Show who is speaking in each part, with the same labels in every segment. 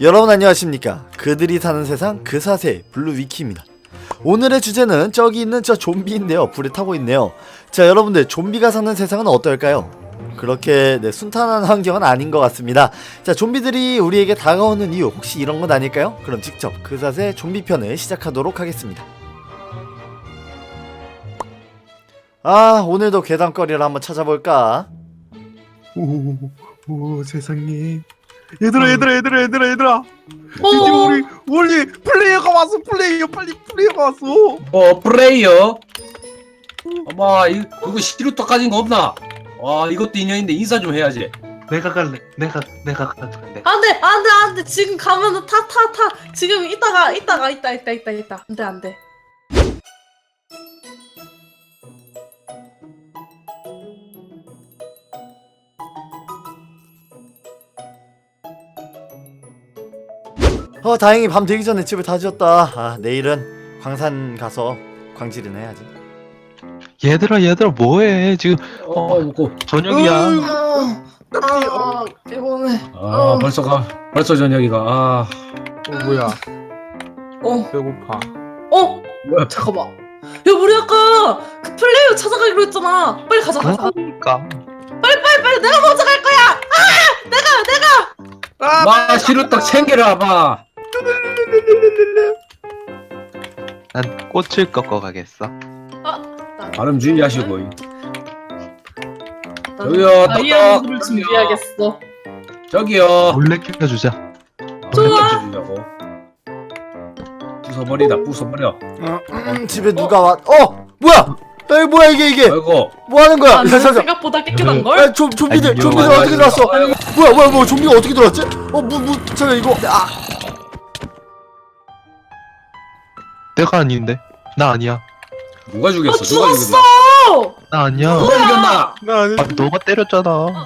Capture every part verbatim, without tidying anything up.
Speaker 1: 여러분 안녕하십니까. 그들이 사는 세상 그사세 블루위키입니다. 오늘의 주제는 저기 있는 저 좀비인데요. 불에 타고 있네요. 자, 여러분들 좀비가 사는 세상은 어떨까요? 그렇게 네, 순탄한 환경은 아닌 것 같습니다. 자, 좀비들이 우리에게 다가오는 이유 혹시 이런 건 아닐까요? 그럼 직접 그사세 좀비편을 시작하도록 하겠습니다. 아, 오늘도 괴담거리를 한번 찾아볼까?
Speaker 2: 오, 오 세상에. 얘들아 얘들아 얘들아 얘들아 얘들아 드디어
Speaker 3: 어.
Speaker 2: 우리 우리 플레이어가 왔어. 플레이어 빨리 플레이어가 왔어.
Speaker 3: 어 플레이어. 아마 이 누구 시루떡 가진 거 없나? 와 이것도 인연인데 인사 좀 해야지.
Speaker 2: 내가 갈래. 내가 내가 갈래.
Speaker 4: 안돼 안돼 안돼 지금 가면은 타 타 타 지금 이따가 이따가 이따 이따 이따 이따 안돼 안돼.
Speaker 1: 어, 다행히 밤 되기 전에 집을 다 지었다. 아, 내일은 광산 가서 광질이나 해야지.
Speaker 5: 얘들아 얘들아 뭐해 지금
Speaker 3: 어 먹고.
Speaker 5: 저녁이야.
Speaker 4: 아, 아 피곤해.
Speaker 3: 아 벌써 가 벌써 저녁이가. 아
Speaker 2: 어 뭐야?
Speaker 4: 어
Speaker 2: 배고파.
Speaker 4: 어
Speaker 3: 뭐야?
Speaker 4: 잠깐만. 야 우리 아까 그 플레이어 찾아가기로 했잖아. 빨리 가자 가자.
Speaker 5: 그러니까
Speaker 4: 빨리 빨리 빨리 내가 먼저 갈 거야. 아 내가 내가.
Speaker 2: 아,
Speaker 3: 와 시루떡 챙겨라 봐.
Speaker 5: 난 꽃을 꺾어 가겠어.
Speaker 3: 발음 주의하시고.
Speaker 4: 나는
Speaker 3: 저기요,
Speaker 4: 다이아몬드를
Speaker 3: 떡떡.
Speaker 4: 준비하겠어.
Speaker 3: 저기요.
Speaker 5: 몰래 껴주자.
Speaker 4: 좋아.
Speaker 3: 주려고. 부숴버리다 부숴버려.
Speaker 1: 음, 집에 누가 왔? 어, 뭐야? 에이, 뭐야 이게 이게?
Speaker 3: 아이고.
Speaker 1: 뭐 하는 거야?
Speaker 4: 아,
Speaker 1: 야,
Speaker 4: 나
Speaker 1: 잠깐.
Speaker 4: 생각보다 깨끗한 걸.
Speaker 1: 야, 좀 좀비들
Speaker 5: 안녕.
Speaker 1: 좀비들 어떻게 들어왔어?
Speaker 3: 아이고.
Speaker 1: 뭐야 뭐야 뭐 좀비가 어떻게 들어왔지? 어, 뭐 뭐 잠깐 이거 아,
Speaker 5: 내가 아닌데. 나 아니야.
Speaker 3: 누가
Speaker 4: 아
Speaker 3: 죽였어? 누가
Speaker 4: 죽었어.
Speaker 3: 죽였어?
Speaker 5: 나 아니야.
Speaker 3: 누가 죽였나?
Speaker 2: 나 아니.
Speaker 5: 아, 너가 때렸잖아.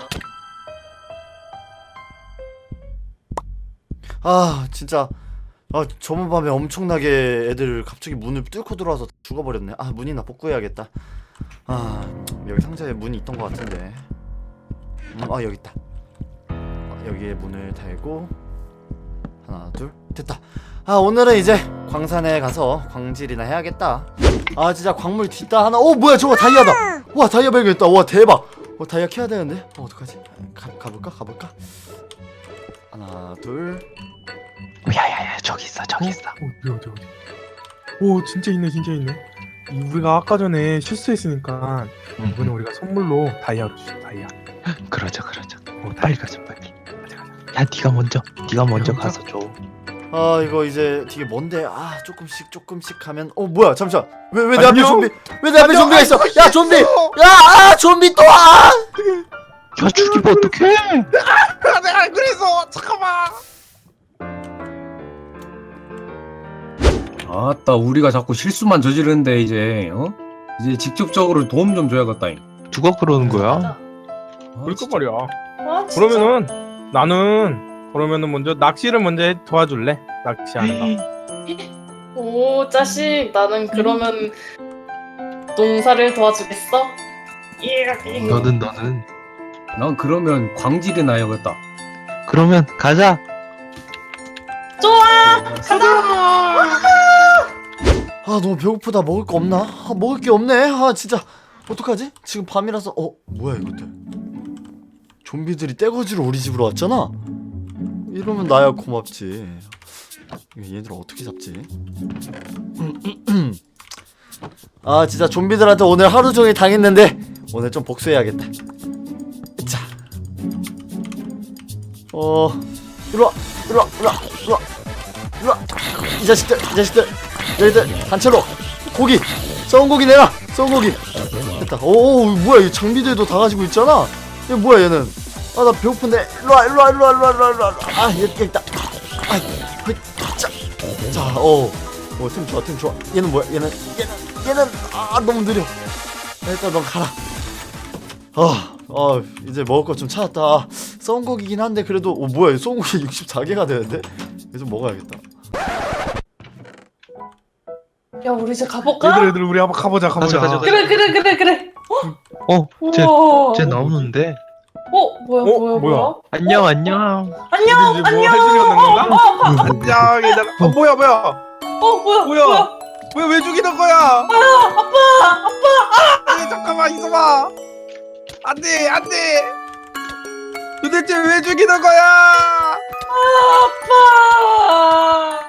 Speaker 1: 아 진짜 아 저번 밤에 엄청나게 애들 갑자기 문을 뚫고 들어와서 죽어버렸네. 아 문이나 복구해야겠다. 아 여기 상자에 문이 있던 것 같은데. 음, 아 여기 있다. 아, 여기에 문을 달고 하나 둘 됐다. 아 오늘은 이제 광산에 가서 광질이나 해야겠다. 아 진짜 광물 뒷다 하나. 오 뭐야 저거 다이아다. 와 다이아 발견했다. 와 대박. 어 다이아 캐야 되는데. 어 어떡하지? 가 가볼까 가볼까. 하나 둘.
Speaker 5: 야야야 저기 있어 저기 있어.
Speaker 2: 어디 어디 어디. 오 진짜 있네 진짜 있네. 이 우리가 아까 전에 실수했으니까
Speaker 5: 응,
Speaker 2: 이번에
Speaker 5: 응.
Speaker 2: 우리가 선물로 다이아로 주자. 다이아.
Speaker 5: 그러자 그러자.
Speaker 2: 어
Speaker 5: 빨리
Speaker 2: 다이아.
Speaker 5: 가자 빨리. 야 네가 먼저. 네가 먼저
Speaker 2: 먼저?
Speaker 5: 가서 줘.
Speaker 1: 아 이거 이제 되게 먼데 아 조금씩 조금씩 가면 어 뭐야 잠시만 왜 왜 내 앞에
Speaker 2: 안녕?
Speaker 1: 좀비 왜 내 앞에
Speaker 2: 안녕?
Speaker 1: 좀비가 있어
Speaker 2: 아이고,
Speaker 1: 야 좀비 야아 좀비 또 와.
Speaker 5: 야 죽이면 어떡해?
Speaker 2: 아, 내가 안 그래서 잠깐만.
Speaker 3: 아따 우리가 자꾸 실수만 저지르는데 이제 어? 이제 직접적으로 도움 좀 줘야겠다.
Speaker 5: 누가 그러는 거야?
Speaker 3: 아,
Speaker 2: 그럴 거
Speaker 3: 진짜.
Speaker 2: 말이야.
Speaker 4: 아, 진짜?
Speaker 2: 그러면은 나는 그러면은 먼저 낚시를 먼저 해- 도와줄래? 낚시하는 거.
Speaker 4: 오 자식 나는 그러면 농사를 도와주겠어? 예.
Speaker 5: 너는 너는.
Speaker 3: 난 그러면 광질이나 해야겠다.
Speaker 5: 그러면 가자.
Speaker 4: 좋아 가자.
Speaker 1: 아 너무 배고프다. 먹을 거 없나? 아, 먹을 게 없네. 아 진짜 어떡하지? 지금 밤이라서 어 뭐야 이것들? 좀비들이 떼거지로 우리 집으로 왔잖아. 이러면 나야 고맙지. 얘들 어떻게 잡지? 아 진짜 좀비들한테 오늘 하루 종일 당했는데 오늘 좀 복수해야겠다. 자, 어 일로와 일로와 일로와 일로와 일로와 이 자식들 이 자식들 너희들 단체로 고기 썩은 고기 내놔 썩은 고기 됐다. 오 뭐야 이 장비들도 다 가지고 있잖아. 얘 뭐야 얘는. 아 나 배고픈데 일로와 일로와 일로와 일로와 일로와 일로와 아 여기 여기 있다. 아자자어어템 좋아 템 좋아. 얘는 뭐야 얘는 얘는 얘는 아 너무 느려. 일단 넌 가라. 아, 아 이제 먹을 거 좀 찾았다. 썩은 고기긴 한데 그래도 어 뭐야 이 썩은 고기 육십사 개가 되는데 이제 좀 먹어야겠다.
Speaker 4: 야 우리 이제 가볼까?
Speaker 2: 얘들 얘들 우리 한번 가보자 가보자.
Speaker 5: 가자, 가자,
Speaker 4: 그래 그래 그래 그래.
Speaker 5: 어, 쟤,
Speaker 4: 우와.
Speaker 5: 쟤 나오는데.
Speaker 4: 어 뭐야
Speaker 2: 어,
Speaker 4: 뭐야
Speaker 2: 뭐야?
Speaker 4: 뭐야?
Speaker 5: 안녕 안녕.
Speaker 4: 안녕
Speaker 2: 이제 뭐
Speaker 4: 안녕.
Speaker 2: 할 일이 없는 건가?
Speaker 4: 어, 어,
Speaker 2: 안녕 얘들아. 어 뭐야 뭐야
Speaker 4: 어 뭐야
Speaker 2: 뭐야?
Speaker 4: 뭐야?
Speaker 2: 뭐야 왜 죽이는 거야?
Speaker 4: 아빠 아빠.
Speaker 2: 아니 잠깐만 있어봐. 안돼 안돼. 도대체 왜 죽이는 거야?
Speaker 4: 아빠.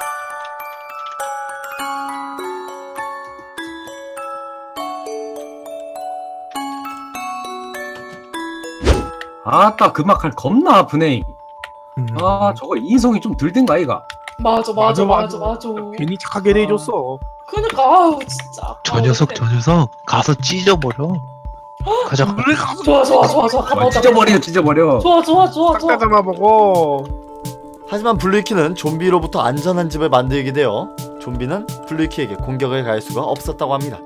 Speaker 3: 아따 그 막할 겁나 아프네.
Speaker 2: 음.
Speaker 3: 아 저거 인성이 좀 들든가 아이가.
Speaker 4: 맞아 맞아 맞아 맞아.
Speaker 2: 괜히 착하게 대해줬어.
Speaker 4: 그러니까 아우 진짜.
Speaker 5: 저 녀석 저 녀석 가서 찢어버려. 가자.
Speaker 2: 그래 가서
Speaker 4: 좋아 좋아 좋아 좋아. 가보자.
Speaker 3: 아, 찢어버려 찢어버려.
Speaker 4: 좋아 좋아 좋아
Speaker 2: 싹
Speaker 4: 좋아.
Speaker 2: 다 잡아보고.
Speaker 1: 하지만 블루이키는 좀비로부터 안전한 집을 만들게 되어 좀비는 블루이키에게 공격을 가할 수가 없었다고 합니다.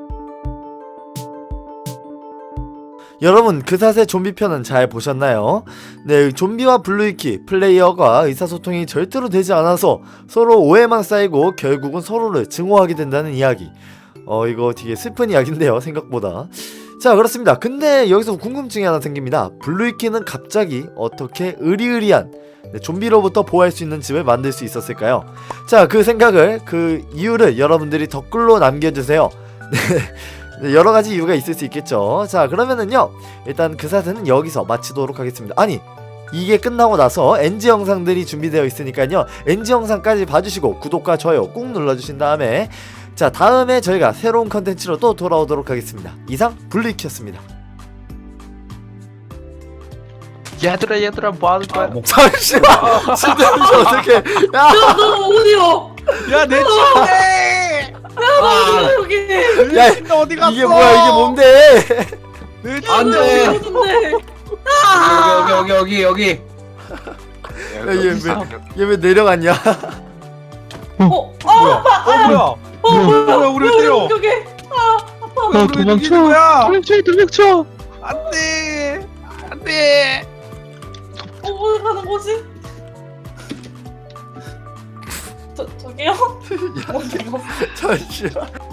Speaker 1: 여러분 그사세 좀비 편은 잘 보셨나요? 네, 좀비와 블루이키 플레이어가 의사소통이 절대로 되지 않아서 서로 오해만 쌓이고 결국은 서로를 증오하게 된다는 이야기. 어 이거 되게 슬픈 이야기인데요, 생각보다. 자, 그렇습니다. 근데 여기서 궁금증이 하나 생깁니다. 블루이키는 갑자기 어떻게 으리으리한 네, 좀비로부터 보호할 수 있는 집을 만들 수 있었을까요? 자, 그 생각을, 그 이유를 여러분들이 댓글로 남겨주세요. 네, 여러가지 이유가 있을 수 있겠죠. 자, 그러면은요 일단 그 사태는 여기서 마치도록 하겠습니다. 아니, 이게 끝나고 나서 엔지 영상들이 준비되어 있으니까요, 엔지 영상까지 봐주시고 구독과 좋아요 꾹 눌러주신 다음에, 자, 다음에 저희가 새로운 컨텐츠로 또 돌아오도록 하겠습니다. 이상 블루이키였습니다.
Speaker 5: 얘들아 얘들아 뭐 하는
Speaker 3: 아,
Speaker 5: 거야?
Speaker 3: 뭐,
Speaker 1: 잠시만, 진짜 어떻게? 야,
Speaker 4: 야너 어디요?
Speaker 2: 야내 침대.
Speaker 3: 아,
Speaker 4: 여기.
Speaker 1: 야,
Speaker 2: 내 침대 어디 갔어?
Speaker 1: 이게 뭐야? 이게 뭔데?
Speaker 2: 내
Speaker 3: 안
Speaker 2: 침대
Speaker 3: 돼.
Speaker 2: 어디 갔어?
Speaker 4: 어딘데?
Speaker 3: 여기 여기 여기 여기.
Speaker 1: 야, 얘 왜, 얘 왜 내려갔냐?
Speaker 4: 어? 아
Speaker 2: 뭐야?
Speaker 4: 아빠.
Speaker 2: 어 뭐야?
Speaker 4: 어 뭐야?
Speaker 2: 뭐야, 우리 왜 때려?
Speaker 4: 여기. 아 아빠.
Speaker 5: 어,
Speaker 2: 우리
Speaker 5: 도망쳐.
Speaker 2: 죽이는 거야?
Speaker 5: 도망쳐 도망쳐.
Speaker 2: 안돼 안돼.
Speaker 4: 어 어디 가는 거지? 저 저기요? 어디가?
Speaker 1: 잠시만.